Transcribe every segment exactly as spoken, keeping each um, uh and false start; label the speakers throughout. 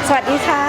Speaker 1: สวัสดีค่ะ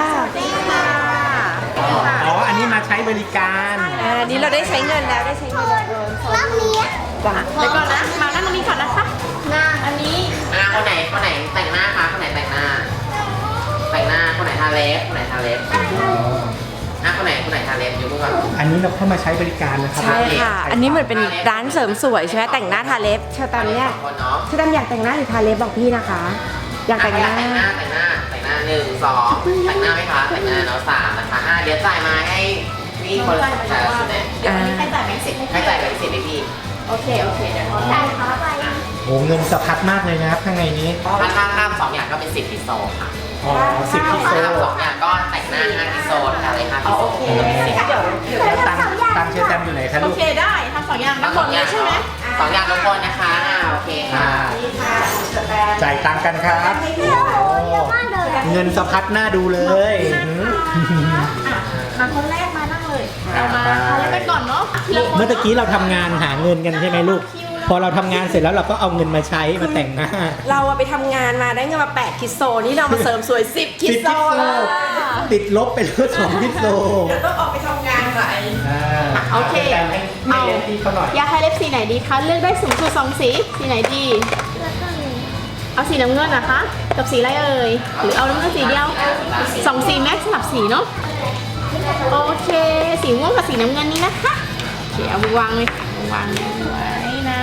Speaker 2: อ๋อ อันนี้มาใช้บริการ
Speaker 1: อ่านี่เราได้ใช้เงินแล้วได้ใช้เงินแล้ว
Speaker 3: รอบนี้
Speaker 1: จ้ะ
Speaker 4: เดี๋ยวก่อนนะ มานั่งตรงนี้ก่อนนะคะ
Speaker 3: หน้า
Speaker 4: อันนี้
Speaker 5: อ่าคนไหนคนไหนแต่งหน้าคะคนไหนแต่งหน้า แต่งหน้าคนไหนทาเล็บคนไหนทาเล็บอ่ะคนไหนคนไหนทาเล็บยกมือก่อน
Speaker 2: อันนี้เราเข้ามาใช้บริการนะครับ
Speaker 1: ใช่ค่ะ อันนี้เหมือนเป็นร้านเสริมสวยใช่ไหมแต่งหน้าทาเล็บเชอร์แตมเนี่ย
Speaker 5: สองคนเนาะ
Speaker 1: เชอร์แตมอยากแต่งหน้าหรือทาเล็บบอกพี่นะคะ อยากแต่งหน้า
Speaker 5: แต่งหน้าแต่งหน้าแต่งหน้าหนึ่งสองแต่งหน้าไหมคะแต่งหน้าเนาะสามนะคะอ่ะเดี๋ยวจ่ายมาให้นี่คนละแต่ละชุดเนี่ย
Speaker 4: เดี๋ยววันนี้ใครจ่ายแบงค์สิบให้
Speaker 5: ให้
Speaker 4: พี่
Speaker 5: จ่ายไปสิบให้พี่
Speaker 4: โอเค โอเค เดี๋ยวขอ
Speaker 3: จ่า
Speaker 4: จ่าย ย
Speaker 3: ขาไป
Speaker 2: โอ้เงินสะพัดมากเลยนะครับข้างในนี้
Speaker 5: ถ้าข้ามข้ามสองอย่างก็เป็นสิบพิโซค่ะ
Speaker 2: อ๋อสิบพิโซ
Speaker 5: ถ้าข้ามสองอย่างก็แต่งหน้าห้าพิโซทาเล็บห้าพิโซ
Speaker 4: โอเค
Speaker 5: เดี๋ยว
Speaker 4: เดี๋ยว
Speaker 2: แล้วตังค์ตังค์เชอร์แตมอยู่ไหนคะ
Speaker 4: โอ
Speaker 2: ลูก
Speaker 4: เคได้ทำสองอย่างทั้งหมดเลยใช่ไหม
Speaker 5: สองอย่างทุกคนนะคะอ่าโอเคค่ะ
Speaker 2: อ่า จ่ายตังค์กันครับ
Speaker 3: เดี๋ยวเยอะมากเลย
Speaker 2: เงินสะพัดหน้าดูเลยหือ
Speaker 4: อ่ะมาคนแรกมานั่งเลย เรามาทาเล็บไปก่อนเนาะทีละคน
Speaker 2: เมื่อตะกี้เราทำงานหาเงินกันใช่ไหมลูก พอเราทำงานเสร็จแล้วเราก็เอาเงินมาใช้มาแต่งหน้า
Speaker 1: เราอะไปทำงานมาได้เงินมาแปดคิโซนี่เรามาเสริมสวยสิบคิ
Speaker 2: สิบ
Speaker 1: โซ
Speaker 2: พิโซ
Speaker 1: แล้ว
Speaker 2: ติดลบไปเหลือสองพิโซ
Speaker 1: เดี๋ยวต้องออกไปทำงานก่อน
Speaker 2: อ่า
Speaker 4: โอเค
Speaker 2: แต่ให้ให้เรียนที่เขาหน่อย
Speaker 4: ยาทาเล็บสีไหนดีคะ เลือกได้สูงสุดสองสี สีไหนดี
Speaker 3: แล้วก็มี
Speaker 4: เอาสีน้ำเงินนะคะ กับสีอะไรเอ่ย หรือเอาน้ำเงินสีเดียวสองสีแม็กซ์สลับสีเนาะ โอเค สีม่วงกับสีน้ำเงินนี้นะคะโอเคเอาวางเลยค่ะวางไว้นะ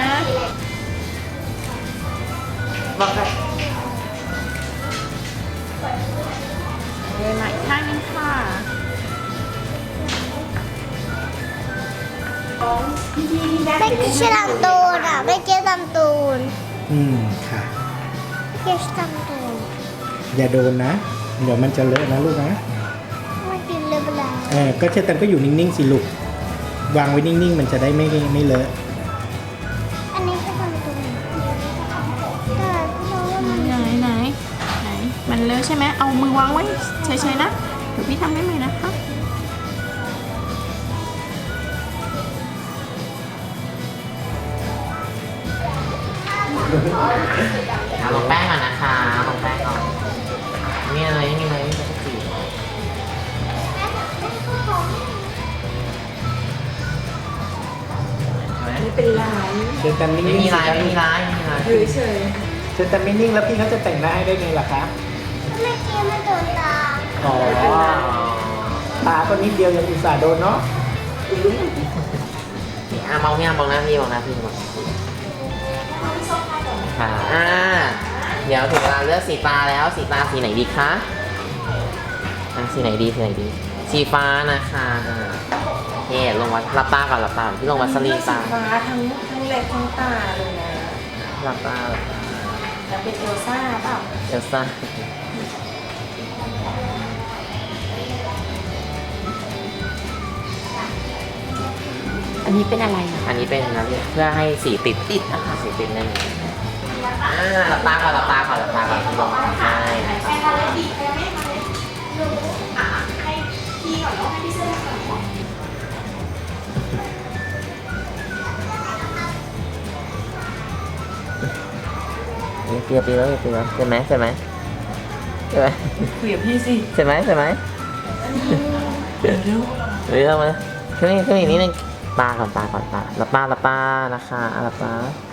Speaker 4: วางเลยเลยมาอีกข้างนึงค่ะ
Speaker 3: ไม่ใช่ลำตูนอ่ะไม่เกี่ยวลำตูน
Speaker 2: อืมค่ะ
Speaker 3: ไม่เกี่ยวลำตูน
Speaker 2: อย่าโดนนะ เดี๋ยวมันจะเลอะนะลูกนะ
Speaker 3: ไม่กินเลยเวลา
Speaker 2: เออก็เช่นแต่ก็อยู่นิ่งๆสิลูก วางไว้นิ่งๆ มันจะได้ไม่ไม่เลอะ
Speaker 3: อันนี้คือลำตูนแต่เราว่ามัน
Speaker 4: ไหนไหนไหน มันเลอะใช่ไหม เอามือวางไว้เฉยๆนะ เดี๋ยวพี่ทำให้ใหม่นะคะ
Speaker 5: เอาลงแป้งก่อนนะคะลงแป้งก่อนนี่อะไรนี่อะไรนี่อะไรสี
Speaker 1: ไม่เป็นไร
Speaker 2: เชิญแต่นิ่
Speaker 5: ไม่
Speaker 2: งๆ
Speaker 5: มี
Speaker 2: สิ
Speaker 5: ลายไม่มีลายไม่มีลาย
Speaker 1: อยู่เฉย
Speaker 2: เชิญแต่ไม่นิ่งแล้วพี่เขาจะแต่งหน้าให้ได้ไงล่ะครับ
Speaker 3: ไม่เกี่ยวมันโดนตา
Speaker 2: อ๋อตาก็นิดเดียวยังอุตส่าห์โดนเนาะ
Speaker 5: อ่ะมองเนี่ยมองหน้าพี่มองหน้าพี่มองค่ะอ่าเดี๋ยวถึงเวลาเลือกสีตาแล้วสีตาสีไหนดีคะอ่ะสีไหนดีสีไหนดี สีฟ้านะคะอ่าโอเคลงวัดหลับตาก่อนหลับตาก่อนพี่ลงวัดสลีนตา
Speaker 1: ฟ้าทั้งทั้งเล็บทั้งตาเลยนะ
Speaker 5: หลับตาหลับตา
Speaker 1: จะเป็นเอลซ่าเปล่า
Speaker 5: เอลซ่า
Speaker 1: อันนี้เป็นอะไรอ่ะ
Speaker 5: อันนี้เป็นนะเพื่อให้สีติดติดนะคะสีติดแน่นอนอ่าหลับตาก่อนหลับตาก่อนหลับตาก่อนพี่ลงใช่นะครับนี่เปรียวเปรียวเปรียวใช่ไหมใช่ไหมใช่ไหม
Speaker 1: คุยกับพี่สิ
Speaker 5: ใช่ไหมใช่ไหมเดี๋ยวเดี๋ยวมาขึ้นนี่ขึ้นอีกนิดนึงตาก่อนตาก่อนตาหลับตาหลับตานะคะหลับตา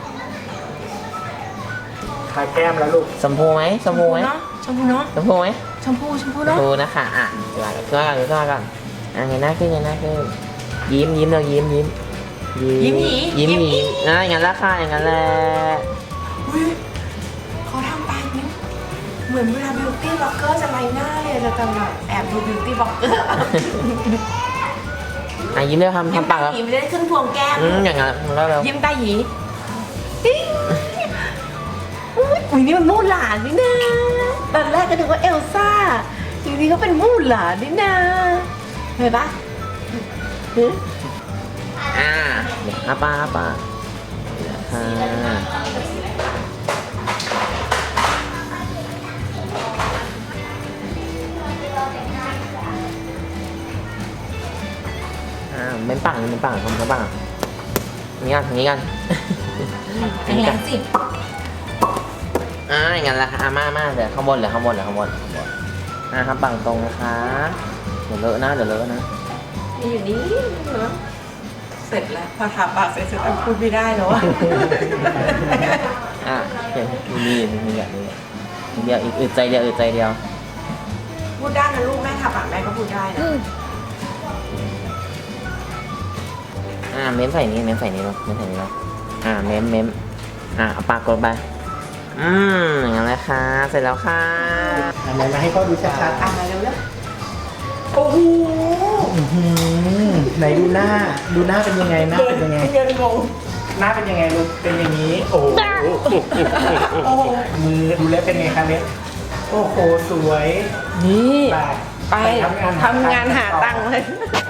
Speaker 2: ทาแก้มแล้วลูก
Speaker 5: ชมพูไหมชมพูไหม
Speaker 1: เนาะชมพูเนาะ
Speaker 5: ชมพูไหม
Speaker 1: ชมพูชมพู
Speaker 5: ชม
Speaker 1: เนาะ
Speaker 5: พูนะคะอ่ะเดี๋ยวขึ้นมาก่อนขึ้นมาก่อนอ่ะเงยหน้าขึ้นเงยหน้าขึ้นยิ้มยิ้มเรายิ้มยิ้มยิ้มยิ้มยิ้มอ่ะอย่างนั้นละค่ะอย่างนั้นแหละ
Speaker 1: อุ๊ยเขาทำตามนิ้วเหมือนเวลาบิวตี้บล็อกเกอร์จะไลน์หน้าเลยจะจำแบบแอบดูบิวตี้บล็อกเกอร์
Speaker 5: อ่ะยิ้มเร็วทำ
Speaker 1: ยิ้ม
Speaker 5: ทำปา
Speaker 1: ตาก
Speaker 5: แล้ว
Speaker 1: หยีไม่ได้ขึ้นพวงแก้ม
Speaker 5: อืมอย่างนั้นแล้วเร็ว
Speaker 1: ยิ้มตาหยีติ๊งอุ๊ยอุ๊ยนี่มันมู่หลานนี่นะตอนแรกก็นึกว่าเอลซ่าจริงๆก็เป็นมู่หลานนี่นะเห็นปะหึ
Speaker 5: อ่าเดี๋ยวอาปาอาปาค่ะอ่าเป็นปากเป็นปากทำเป็นปากอย่างนี้กันอย่างนี้กันอย่างนี้กัน
Speaker 1: สิ
Speaker 5: อ่าอย่างนั้นแหละค่ะอ่ามามาเดี๋ยวข้างบนเหลือข้างบนเหลือข้างบนข้างบนอ่ะครับปากตรงนะคะเดี๋ยวเลอะนะเดี๋ยวเลอะนะ
Speaker 1: มีอยู่นี่เนาะเสร็จแล้วพอทาปากเสร็จฉันพูดไม่ได้แล้วอะ
Speaker 5: อ่ะเห็นมีมีมีแบบนี้เดียวอีกอึดใจเดียวอึดใจเดียว
Speaker 1: พูดได้นะลูกแม่ทาปากแม่ก็พูดได้นะ
Speaker 5: อ่าเม้มใส่นี้เม้มใส่นี้ลงเม้มใส่นี้ลงอ่าเม้มเม้มอ่าเอาปากกดไปอืมอย่างนั้นแหละค่ะเสร็จแล้วค่ะ
Speaker 2: อันไหนมาให้พ่อดูชัด
Speaker 1: อ่ะมาเร็วแล้วโอ้โห
Speaker 2: ๆอื้อหือไหนดูหน้า ดูหน้าเป็นยังไงหน้าเป็นยังไง
Speaker 1: เงินงง
Speaker 2: หน้าเป็นยังไงลูกเป็นอย่างนี้ โอ้โห
Speaker 1: โอ้โห
Speaker 2: มือดูแล้วเป็นไงคะเล็บโอ้โห สวย
Speaker 1: นี่
Speaker 2: ไป
Speaker 1: ไป
Speaker 2: ทำงาน
Speaker 1: ทำงานหาตังค์เลย